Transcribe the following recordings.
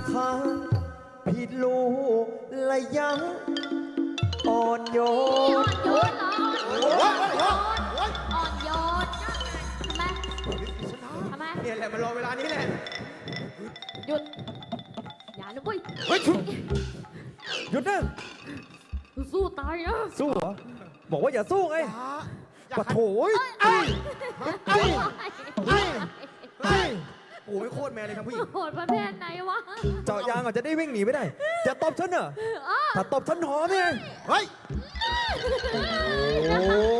ค้างพี่รู้ระยะอ่อนโยอ่อนนโยนเหรออ่อนโยนทำไมทำไมเนี่ยแหละมันรอเวลานี้แหละหยุดอย่านะเว้ยเฮ้ยหยุดนะสู้ตายนะสู้เหรอบอกว่าอย่าสู้ไงปะโถยโอ้ไม่โคตรแมนเลยทั้งผู้หญิงโหดประเภทไหนวะเจาะยางอาจจะได้วิ่งหนีไม่ได้จะตบฉันเหรอถ้าตบฉันหอมไงเฮ้ยโอ้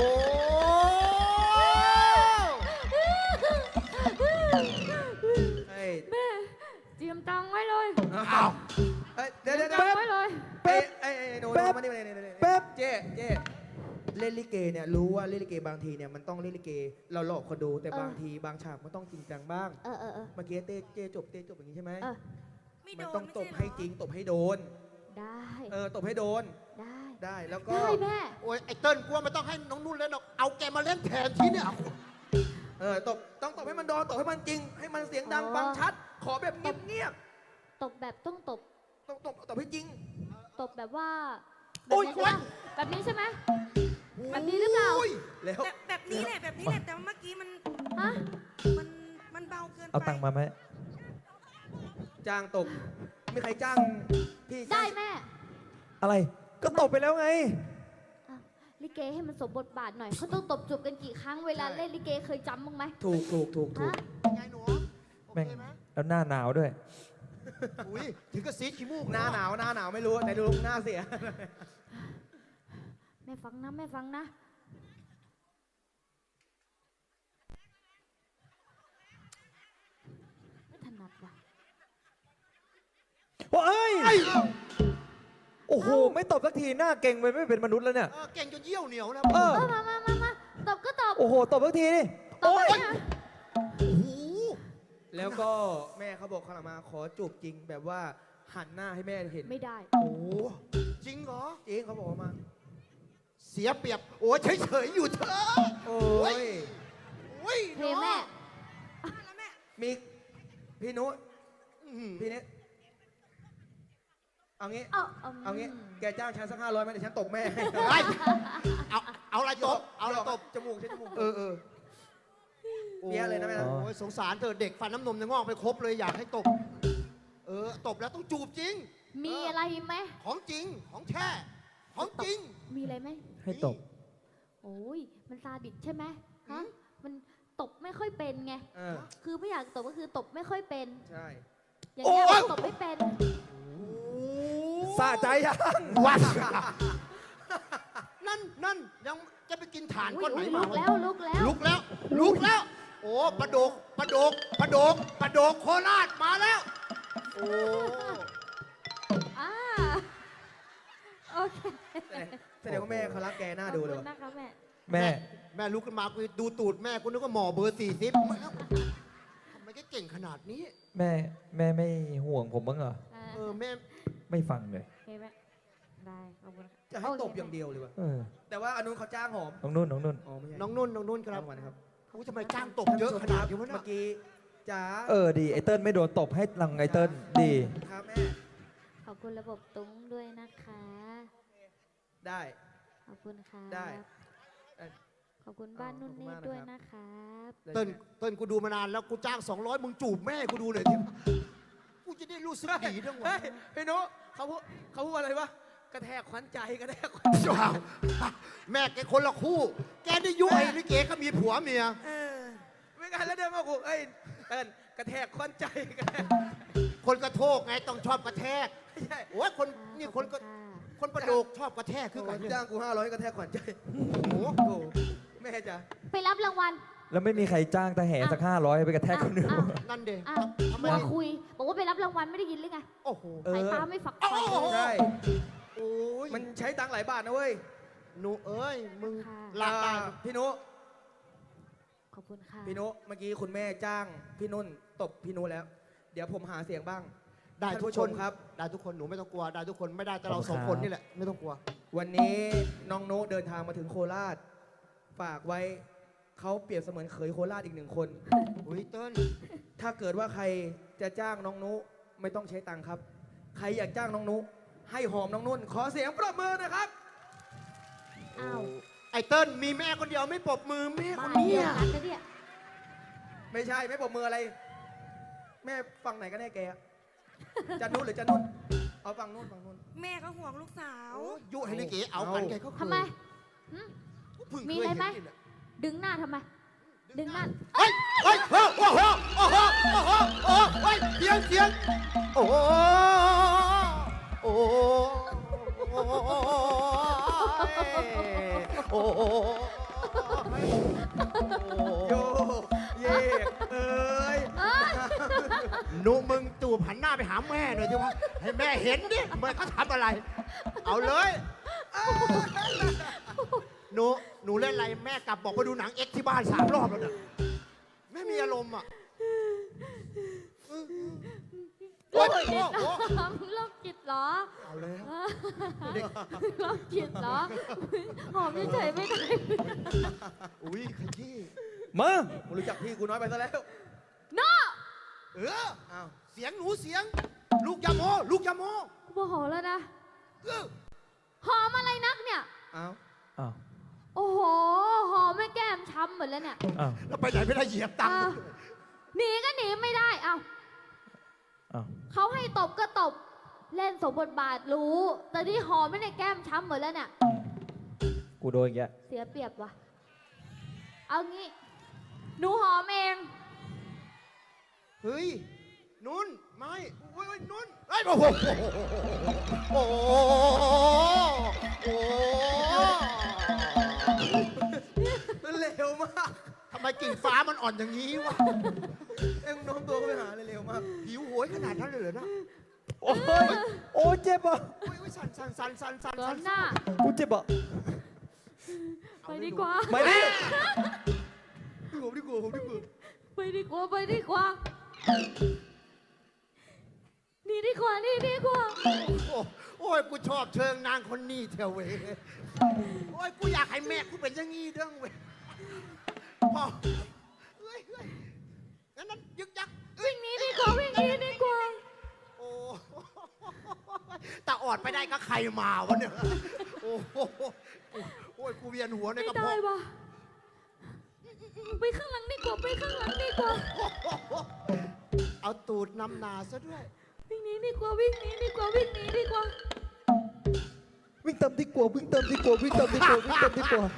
เฮ้ยแม่เตรียมตังค์ไว้เลยอ้าวเฮ้ยเดี๋ยวเตรีเดี๋ยยวมตังค์ไว้เลยเป๊ะไอ้หนูมานี่มานี่แป๊บเจ๊เล่นลิเกเนี่ยรู้ว่าเล่นลิเกบางทีเนี่ยมันต้องเล่นลิเกเราหลอกคนดูแต่บางทีบางฉากมันต้องจริงจังบ้างเออเมื่อกี้เจ๊จบอย่างนี้ใช่ไหมเออมันต้องตบให้จริงตบให้โดนได้ตบให้โดนได้ได้แล้วก็ได้แม่โอ้ยไอ้เติ้ลกูว่าไม่ต้องให้น้องนุ่นเล่นหรอกเอาแกมาเล่นแทนที่เนี่ยต้องตบให้มันโดนตบให้มันจริง ให้มันเสียงดังฟังชัด ขอแบบเงียบตบแบบต้องตบต้องตบให้จริงตบแบบว่าโอ๊ยแบบนี้ใช่ไหมแบบนี้หรือเปล่าแล้วแบบนี้แหละแบบนี้แหละแต่ว่าเมื่อกี้มันฮะมันเบาเกินไปเอาตังค์มาไหมจ้างตบมีใครจ้างพี่ได้จ้างแม่อะไรก็ตบไปแล้วไงอ้าวลิเกให้มันสมบทบาทหน่อยเขาต้องตบจูบกันกี่ครั้งเวลาเล่นลิเกเคยจำบ้างไหมถูกฮะไงหนูโอแม่งเคไหมแล้วหน้าหนาวด้วยอุ้ยถึงกับซีดขี้มูกหน้าหนาวไม่รู้แต่ดูหน้าเสียแม่ฟังนะแม่ฟังนะไม่ถนัดว่ะโอ้ยโอ้โห ไม่ตบสักทีหน้าเก่งไปไม่เป็นมนุษย์แล้วเนี่ยเก่งจนเยี่ยวเหนียวนะเออมาตบก็ตบโอ้โห ตบสักทีนี่ตบไปนะโอ้โหแล้วก็แม่เขาบอกเขามาขอจูบจริงแบบว่าหันหน้าให้แม่เห็นไม่ได้โอ้โหจริงเหรอจริงเขาบอกมาเสียเปรียบ โอ้ยเฉยๆอยู่เถอะโอ้ยโอ้ยเทแม่แล้วแม่มีพี่นุอื้อหือพี่เนี้เอางี้เอางี้แกจ้างฉันสัก500ไหมเดี๋ยวฉันตบแม่ให้เฮ้ยเอาอะไรตบ เอาอะไรตบจมูกใช้จมูกเออเปี้ยเลยนะแม่นะโอ้ยสงสารเธอเด็กฟันน้ำนมจะงอกไปครบเลยอยากให้ตบ ตบแล้วต้องจูบจริงมีอะไรไหมของจริง ของแท้ ของจริงมีอะไรไหมให้ตบโอ้ยมันซาดิสใช่ไหมฮะมันตบไม่ค่อยเป็นไง คือไม่อยากตบก็คือตบไม่ค่อยเป็นใช่อย่างเงี้ยโอ๊ยตบไม่เป็นสะใจยังวัดนั่นยังจะไปกินถ่านก้อนไหนลุมากแล้วลุกแล้วลุกแล้ว โอ้ปลาโดกโคราชมาแล้ว โอ้อ่าโอเคแสดงว่าแม่เขารักแกหน้าดูเลยขอบว่ะคุณนะคะแม่แม่แม่ลุกขึ้นมากูดูตูดแม่กูนึกว่าหมอเบอร์40ทำไมแกเก่งขนาดนี้แม่ไม่ห่วงผมบ้างเหรอแม่ไม่ฟังเลยโอเคแม่ได้ขอบคุณค่ะจะให้ตบอย่างเดียวเลยว่ะเออแต่ว่าอนุนเขาจ้างหอมน้องนุ่นอ๋อไม่ใช่น้องนุ่นครับรางวัลนะครับอู้ทำไมจ้างตบเยอะขนาดนี้วะเนี่เมื่อกี้จ๋าเออดีไอเติ้ลไม่โดนตบให้ลังไอเติ้ลดีครับแม่ขอบคุณระบบตุ้งด้วยนะคะได้ขอบคุณค่ะได้ขอบคุณบ้านนุ่นขอบคุณนี่มากนะครับด้วยนะครับเติ้ลกูดูมานานแล้วกูจ้าง200มึงจูบแม่กูดูหน่อยทีกูจะได้รู้สึกดีทั้งวัเฮ้นยพี่นุเขาพูดอะไรวะกระแทกขวัญใจกระแทกขวัญใจว้าวแม่แกคนละคู่ แกได้ยุ้ยลิเกก็มีผัวเมียไม่งั้นแล้วเดินมากูเอ้ยเติ้ลกระแทกขวัญใจกระแทกคนกระโทกไงต้องชอบกระแทกไม่ใช่โอ้ยคนนี่คนก็ขอบณค่ะคนประโดกชอบกระแทกคือกันเนี่ยจ้างกู500กระแทกขวัญใจโอ้โหโอ้แม่จ๋าไปรับรางวัลแล้วไม่มีใครจ้างตาแห่สัก500ไปกระแทกคนอื่นอ้าวนั่นเด็อ้าวทำไมมัวคุย บอกว่าไปรับรางวัลไม่ได้ยินหรือไงโอ้โหเออสายตาไม่ฝักโอ้ใฝ่โหใช่โอ้ยมันใช้ตังค์หลายบาทนะเว้ยหนูเอ้ยมึงค่ะลากได้พี่นุขอบคุณค่ะพี่นุเมื่อกี้คุณแม่จ้างพี่นุ่นตบพี่นุแล้ว เดี๋ยวผมหาเสียงบ้างได้ทุกท่านผู้คชนมครับได้ทุกคนหนูไม่ต้องกลัวได้ทุกคนไม่ได้แต่เราสองคนนี่แหละไม่ต้องกลัววันนี้น้องนุเดินทางมาถึงโคราช ฝากไว้เขาเปรียบเสมือนเขยโคราชอีก1 คนอุ้ยเติ้ลถ้าเกิดว่าใครจะจ้างน้องนุไม่ต้องใช้ตังค์ครับ ใครอยากจ้างน้องนุให้หอมน้องนุ่น ขอเสียงปรบมือนะครับอ้าวไอ้เติ้ลมีแม่คนเดียวไม่ปรบมือแม่คนบ้าเนี้เดียยวกันนะเนี่ยไม่ใช่ไม่ปรบมืออะไร แม่ฟังไหนกันแน่แกอะจะนุ่นหรือจะนุ่น เอาฟังนุ่นฟังนุ่นแม่เขาห่วงลูกสาวยุให้ลิเกเอากันแกก็เคยทำไมหึเพิ่งมีเคยอะไรไหมเห็นนี่แหละดึงหน้าทำไม ดึงหน้าเฮ้ยเฮ้ยโอ้โหโอ้โหโอ้โหโอ้โหเฮ้ยเสียงเสียงโอ้โหโอ้โหโอ้โหโยกเยกเอ้ยหนูมึงจูบหันหน้าไปหาแม่หน่อยสิวะให้แม่เห็นดิแม่เขาทำอะไร เอาเลยหนูเล่นอะไรแม่กลับบอกไปดูหนังเอ็กซ์ที่บ้าน3 รอบแล้วเนี่ยแม่มีอารมณ์อ่ะโอ้ยโอ้โหมึงโรคจิตเหรอเอาแล้วโรคจิตเหรอ หอมเฉยๆไม่ได้อุ้ยขยี้มามึงรู้จักพี่กูน้อยไปซะแล้วโน่เอออ้าวเสียงหนูเสียง ลูกยาโมลูกยาโมโมโหแล้วนะเออหอมอะไรนักเนี่ยอ้าวอ้าวโอ้โห หอมไม่แก้มช้ำหมดแล้วเนี่ยอ้าวแล้วไปไหนไม่ได้เหยียบตังค์อ้าวหนีก็หนีไม่ได้ เอ้าอ้าวเขาให้ตบก็ตบ เล่นสมบทบาทรู้ แต่ที่หอมไม่ได้แก้มช้ำหมดแล้วเนี่ยกูโดนอีกแล้วเสียเปรียบว่ะ เอางี้ หนูหอมเองเฮ้ยนุ่นไม่โอ้ยนุ่นไอ้ยโอ้โหโอ้โหโอ้โหมันเร็วมากทำไมกิ่งฟ้ามันอ่อนอย่างนี้วะเอ็งโน้มตัวเข้าไปหาเลยเร็วมากหิวโหยขนาดนั้นเลยเหรอนะโอ้ยโอ้ยเจ็บอ่ะโอ้ยสั่นสั่นสั่นสั่นสั่นก่อสั่นนหน้ากูเจ็บอ่ะไปดีกว่าไม่ดิผมดีกว่าผมดีกว่าไปดีกว่า ไปดีกว่า นี่ดีกว่า นี่ดีกว่าโอ้ยกูชอบเชิงนางคนนี้เถอะเว้ยโอ้ยกูอยากให้แม่กูเป็นอย่างงี้เด้งเว้ยพ่อเฮ้ยเฮ้ยงั้นนั้นยึกยักวิ่งหนี้ดีกว่า วิ่งหนี้ดีกว่าโอ้แต่ออดไปได้ก็ใครมาวะเนี่ยโอ้โหโอ้ยกูเวียนหัวในไม่กระได้เพาะว่ะไปข้างหลังดีกว่า ไปข้างหลังดีกว่าเอาตูดนำนาซะด้วยวิ่งหนี้ดีกว่า วิ่งหนี้ดีกว่า วิ่งหนี้ดีกว่าวิ่งตามดีกว่าวิ่งตามดีกว่าวิ่งตามดีกว่าวิ่งตามดีกว่า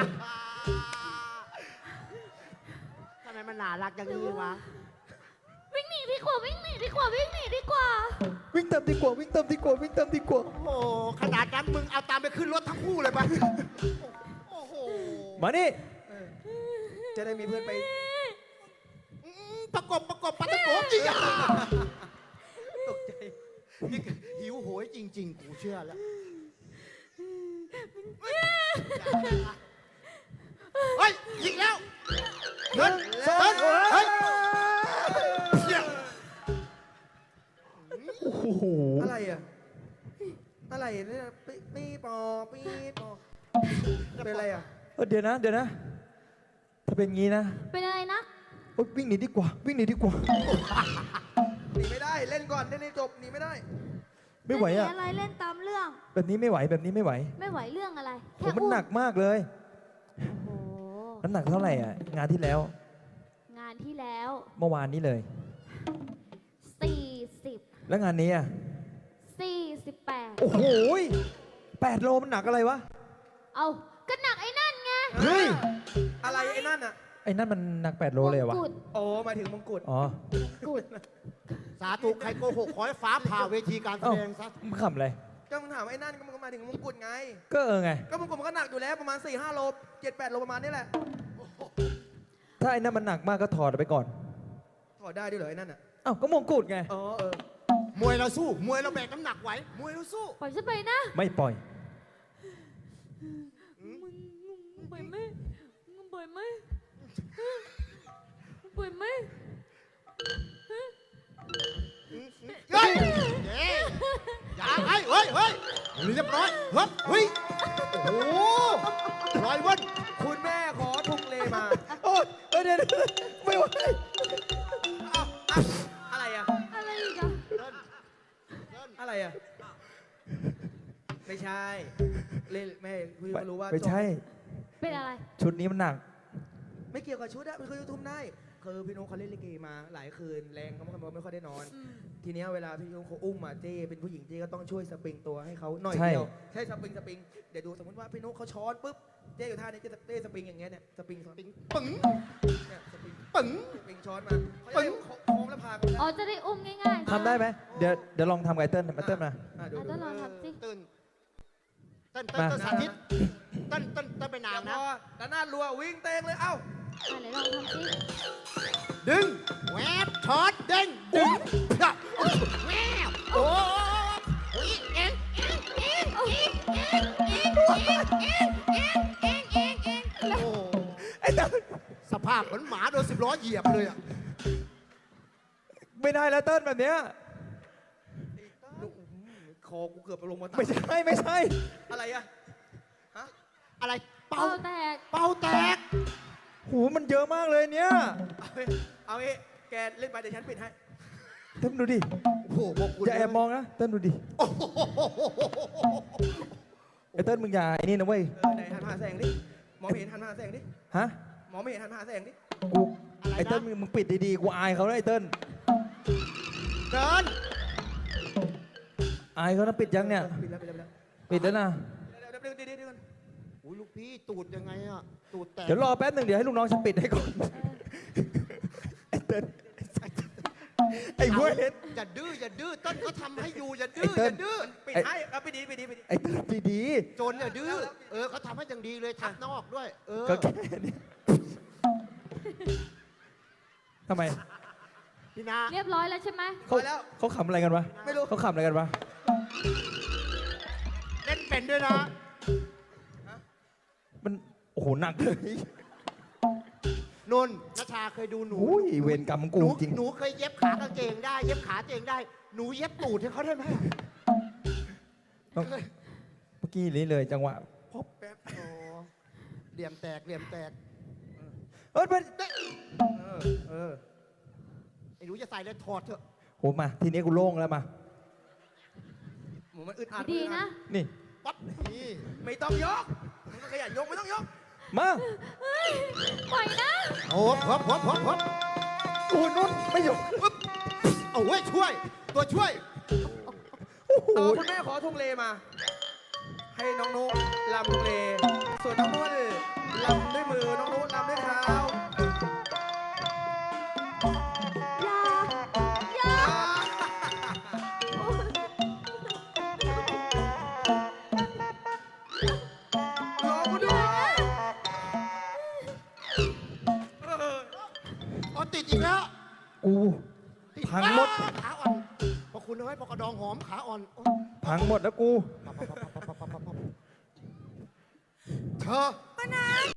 ทำไมมันน่ารักอย่างนี้วะวิ่งหนีดีกว่า วิ่งหนีดีกว่า วิ่งหนีดีกว่าวิ่งตามดีกว่าวิ่งตามดีกว่าวิ่งตามดีกว่าโอ้โหขนาดนั้นมึงเอาตามไปขึ้นรถทั้งคู่เลยปะโอ้โหมานี่จะได้มีเพื่อนไปประกบปะตะโกจีอ่ะตกใจนี่หิวโหยจริง ๆ กูเชื่อแล้วเฮ้ยยิงแล้วเดินเฮ้ยเชี่ยโอ้โหอะไรอ่ะ อะไรเนี่ยปีปอปีปอเป็นอะไรอ่ะเดี๋ยวนะเดี๋ยวนะ ถ้าเป็นงี้นะเป็นอะไรนะโอ๊ยวิ่งหนีดีกว่าวิ่งหนีดีกว่าหนีไม่ได้ เล่นก่อนเล่นให้จบหนีไม่ได้ไม่ไหวอ่ะเล่นอะไรเล่นตามเรื่องแบบนี้ไม่ไหวแบบนี้ไม่ไหวไม่ไหวเรื่องอะไรโอ้แค่มันหนักมากเลยโอ้โหน้ำหนักเท่าไหร่อ่ะงานที่แล้วงานที่แล้วเมื่อวานนี้เลย 40 แล้วงานนี้อ่ะ 48 โอ้โห8 โลมันหนักอะไรวะเอาก็หนักไอ้นั่นไงเฮ้ยอะไรไอ้นั่นอ่ะไอ้นั่นมันหนัก8 โลเลยเหรอวะมงกุฎโอ้หมายถึงมงกุฎอ๋อกุฎสาธุใครโกหกขอให้ฟ้าผ่าเวทีการแสเอ้าดงซะมึงขำอะไรก็มึงถามไอ้นั่นก็มึงก็มาถึงมงกุฎไงก็ไงก็มงกุฎมันก็หนักอยู่แล้วประมาณ 4-5 โล 7-8 โลประมาณนี้แหละถ้าไอ้นั่นมันหนักมากก็ถอดไปก่อนถอดได้ด้วยเหรอไอ้นั่นอ่ะอ้าวก็มงกุฎไงอ๋อเออมวยเราสู้มวยเราแบกน้ำหนักไหวมวยเราสู้ปล่อยฉันไปนะไม่ปล่อยมึงปล่อยไหมมึงปล่อยไหมปล่อยไหมเฮ้ยอย่าเฮ้ยเฮ้ยเฮ้ยเรียบร้อยเฮ้ยเฮ้ยโอ้โหร้อยวันคุณแม่ขอทุงเลมาโอ๊ยเดี๋ยวไม่ไหวอะไรอ่ะอะไรอีกอะอะไรอ่ะ ไม่ใช่ เล่นไม่พี่ก็รู้ว่าไม่ใช่เป็นอะไรชุดนี้มันหนักไม่เกี่ยวกับชุดอะมันคือยูทูบได้คือพี่นุ๊กเขาเล่นลิเกมาหลายคืนแรงเขาไม่ค่อยได้นอน ทีเนี้ยเวลาพี่นุ๊กเขาอุ้มมาเจ้เป็นผู้หญิงเจ้ก็ต้องช่วยสปริงตัวให้เขาหน่อยใช่เดียวใช่สปริงเดี๋ยวดูสมมติว่าพี่นุ๊กเขาช้อนปุ๊บเจ้อยู่ท่านี้เจ้สปริงอย่างเงี้ยเนี่ยสปริงปิ๊งปึ๋งเนี่ยสปริงปึ๋งสปริงช้อนมาเขาจะได้โค้งแล้วพากันอ๋อ จะได้อุ้มง่ายๆทำได้ไหมเดี๋ยวลองทำไกเติ้ลมาเติ้ลมาดูอ่ะดูต้องลองทำสิตื่นเต้นมาสาธิตเต้นไปนานนะด้านหน้ารัววิ่งเตงเลยเอ้าอ่ะไหนลองทำสิดึงแวบช็อตเด้งดึงแวบโอ้ยเอ็งโอ้สภาพเหมือนหมาโดน10 ล้อเหยียบเลยอ่ะไม่ได้แล้วเติ้ลแบบเนี้ยคอกูเกือบลงมาไม่ใช่ไม่ใช่อะไรอะฮะอะไรเป่าเอาแตกเป่าแตกหูมันเยอะมากเลยเนี่ยเอางี้แกเล่นไปเดี๋ยวฉันปิดให้เติ้ลดูดิโอ้โหพวกคุณอย่าแอบมองนะเติ้ลดูดิโอ้โหไอ้เติ้ลมึงอย่าไอ้นี่นะเว้ยไหนหันมาหาแสงดิมองไม่เห็นหันมาหาแสงดิฮะมองไม่เห็นหันมาหาแสงดิกูไอ้เติ้ลมึงปิดดีๆกูอายเขานะไอ้เติ้ลเกินอายเขานะปิดยังเนี่ยปิดแล้วปิดแล้วปิดแล้วนะเดี๋ยวเดี๋ยวอุ้ยลูกพี่ตูดยังไงอ่ะตูดแตกเดี๋ยวรอแป๊บหนึ่งเดี๋ยวให้ลูกน้องฉันปิดให้ก่อนไอ้เติ้ลไอ้เว้ยอย่าดื้อต้นเขาทำให้อยู่อย่าดื้อไอ้เติ้อลย่าดื้อปิดให้เอาปิดดีไอ้เติ้ลดีโจรอย่าดื้อเขาทำให้อย่างดีเลยทับนอกด้วยๆก็แค่นี้ทำไมพี่นาเรียบร้อยแล้วใช่ไหมเขาขำอะไรกันวะไม่รู้เขาขำอะไรกันวะเล่นเป็นด้วยนะมันโอ้โหหนักเลยนนนัชชาเคยดูหนูอุ้ยเวรกรรมของกูจริงหนูเคยเย็บขากางเกงได้ เย็บขาตัวเองได้ หนูเย็บตูดให้เขาได้ไหมต้องเมื่อกี้นี้เลยจังหวะพบแป๊บอ๋อเหลี่ยมแตกเอ้ยมันไอ้หนูจะใส่เลยถอดเถอะโหมาทีนี้กูโล่งแล้วมาหมูมันอึดอัดดีนะนี่ปั๊บนี่ไม่ต้องยกมันก็ขยันยกไม่ต้องยกมาปล่อยนะโอ้พบโอ้นุ่นไม่อยู่เอาเว้ยช่วย ตัวช่วยโอ้โหคุณแม่ขอทุ่งเลมา ให้น้องนุ๊กลำทุ่งเล ส่วนน้องนุ่นลำด้วยมือน้องนุ๊กลำด้วยเท้าอย่ารอกูด้วยอ๋อติดอีกแล้วกูติดพังหมดขาอ่อนพอคุณเอาไว้พอกระดองหอมขาอ่อนโอ๊ยพังหมดแล้วกูเธอป้านา